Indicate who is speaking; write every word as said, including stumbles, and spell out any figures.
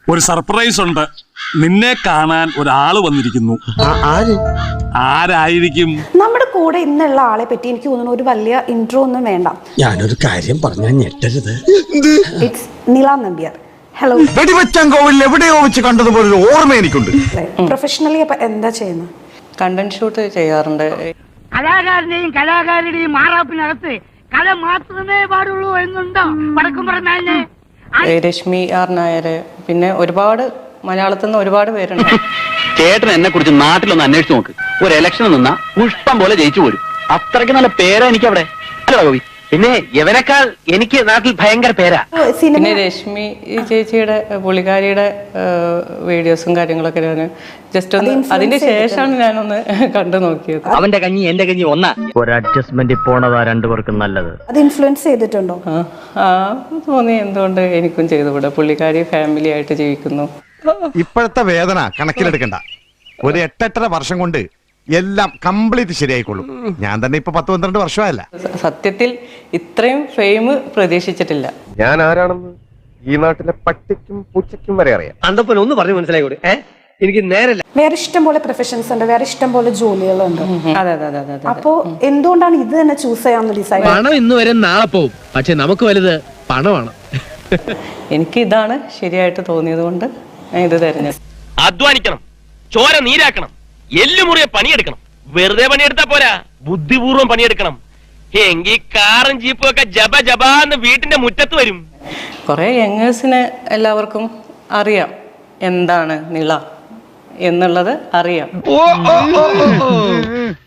Speaker 1: ഒരു സർപ്രൈസ് ഉണ്ട്. നിന്നെ കാണാൻ ഒരാള് വന്നിരിക്കുന്നു. ആരായിരിക്കും?
Speaker 2: നമ്മുടെ കൂടെ ഇന്നുള്ള ആളെ പറ്റി എനിക്ക് തോന്നുന്നു ഒരു വലിയ ഇൻട്രോ ഒന്നും വേണ്ട.
Speaker 3: ഞാനൊരു കാര്യം പറഞ്ഞാൽ ഞെട്ടരുത്.
Speaker 2: ഇറ്റ്സ് നില നമ്പ്യാർ. ഹലോ.
Speaker 4: വെടിവെച്ചങ്കോവിൽ എവിടെയോ വെച്ച് കണ്ടതുപോലെ ഒരു ഓർമ്മ എനിക്കുണ്ട്.
Speaker 2: പ്രൊഫഷണലി അപ്പൊ എന്താ ചെയ്യുന്നത്?
Speaker 5: കണ്ടന്റ് ഷൂട്ട് ചെയ്യാറുണ്ട്.
Speaker 6: കലാകാരന്റെയും കലാകാരിയുടെയും മാറാപ്പിനകത്ത് കല മാത്രമേ പാടുള്ളൂ എന്നുണ്ടോ വടക്കും പറഞ്ഞാല്?
Speaker 5: രശ്മി ആർ നായർ, പിന്നെ ഒരുപാട് മലയാളത്തിൽ നിന്ന് ഒരുപാട് പേരുണ്ട്.
Speaker 7: ചേട്ടൻ എന്നെ കുറിച്ച് നാട്ടിലൊന്ന് അന്വേഷിച്ച് നോക്ക്. ഒരു ഇലക്ഷൻ നിന്നാ പുഷ്പം പോലെ ജയിച്ചു പോരും. അത്രയ്ക്ക് നല്ല പേരാ എനിക്ക് അവിടെ. അല്ല ഗോപി, പിന്നെ യവനേക്കാൾ എനിക്ക് നാട്ടിൽ ഭയങ്കര പേരാ.
Speaker 5: പിന്നെ രശ്മി ഈ ചേച്ചിയുടെ പുള്ളിക്കാരിയുടെ വീഡിയോസും കാര്യങ്ങളൊക്കെ ഞാൻ ജസ്റ്റ് ഒന്ന് അതിന്റെ ശേഷമാണ് ഞാനൊന്ന് കണ്ടു നോക്കിയത്.
Speaker 7: അവന്റെ കഞ്ഞി എന്റെ കഞ്ഞി ഒന്നാ. ഒരു അഡ്ജസ്റ്റ്മെന്റ് പോണതാ രണ്ടുപേർക്കും നല്ലത്.
Speaker 2: അത് ഇൻഫ്ലുവൻസ് ചെയ്തിട്ടുണ്ടോ?
Speaker 5: ആ തോന്നി, എന്തുകൊണ്ട് എനിക്കും ചെയ്തുകൂടെ? പുള്ളിക്കാരി ഫാമിലി ആയിട്ട് ജീവിക്കുന്നു.
Speaker 4: ഇപ്പോഴത്തെ വേദന കണക്കിലെടുക്കണ്ട. ഒരു എട്ടെട്ടര വർഷം കൊണ്ട് എല്ലാം കംപ്ലീറ്റ് ശരിയായിക്കൊള്ളും. ഞാൻ തന്നെ ഇപ്പൊ പത്ത് പന്ത്രണ്ട് വർഷമായല്ല.
Speaker 5: സത്യത്തിൽ ഇത്രയും ഫെയിം പ്രതീക്ഷിച്ചിട്ടില്ല.
Speaker 8: ഞാൻ ആരാണെന്ന് ഈ നാട്ടിലെ പട്ടിക്കും പൂച്ചയ്ക്കും വരെ അറിയാം.
Speaker 7: അന്തപ്പൻ ഒന്ന് പറഞ്ഞു മനസ്സിലായിക്കോട്ടെ. എനിക്ക് നേരല്ല.
Speaker 2: വേറെ ഇഷ്ടം പോലെ പ്രൊഫഷൻസ് ഉണ്ട്, വേറെ ഇഷ്ടം പോലെ ജോലികളുണ്ട്.
Speaker 5: അതെ അതെ അതെ അതെ.
Speaker 2: അപ്പോ എന്തുകൊണ്ടാണ് ഇത് തന്നെ ചൂസ് ചെയ്യാമെന്ന് ഡിസൈഡ്?
Speaker 9: പണം ഇന്ന് വരെ നാളെ പോവും, പക്ഷെ നമുക്ക് വലുത് പണമാണ്.
Speaker 5: എനിക്ക് ഇതാണ് ശരിയായിട്ട് തോന്നിയത് കൊണ്ട് ഞാൻ ഇത് തെരഞ്ഞെടുത്തു.
Speaker 7: അധ്വാനിക്കണം, ചോര നീരാക്കണം, എല്ലുമുറിയെ പണിയെടുക്കണം. വെറുതെ പണിയെടുത്താ പോരാ, ബുദ്ധിപൂർവ്വം പണിയെടുക്കണം. എങ്കിൽ കാറും ജീപ്പും ഒക്കെ ജബ ജബാന്ന് വീട്ടിന്റെ മുറ്റത്ത് വരും.
Speaker 5: കുറെ യങ്ങേഴ്സിന് എല്ലാവർക്കും അറിയാം എന്താണ് നിള എന്നുള്ളത് അറിയാം.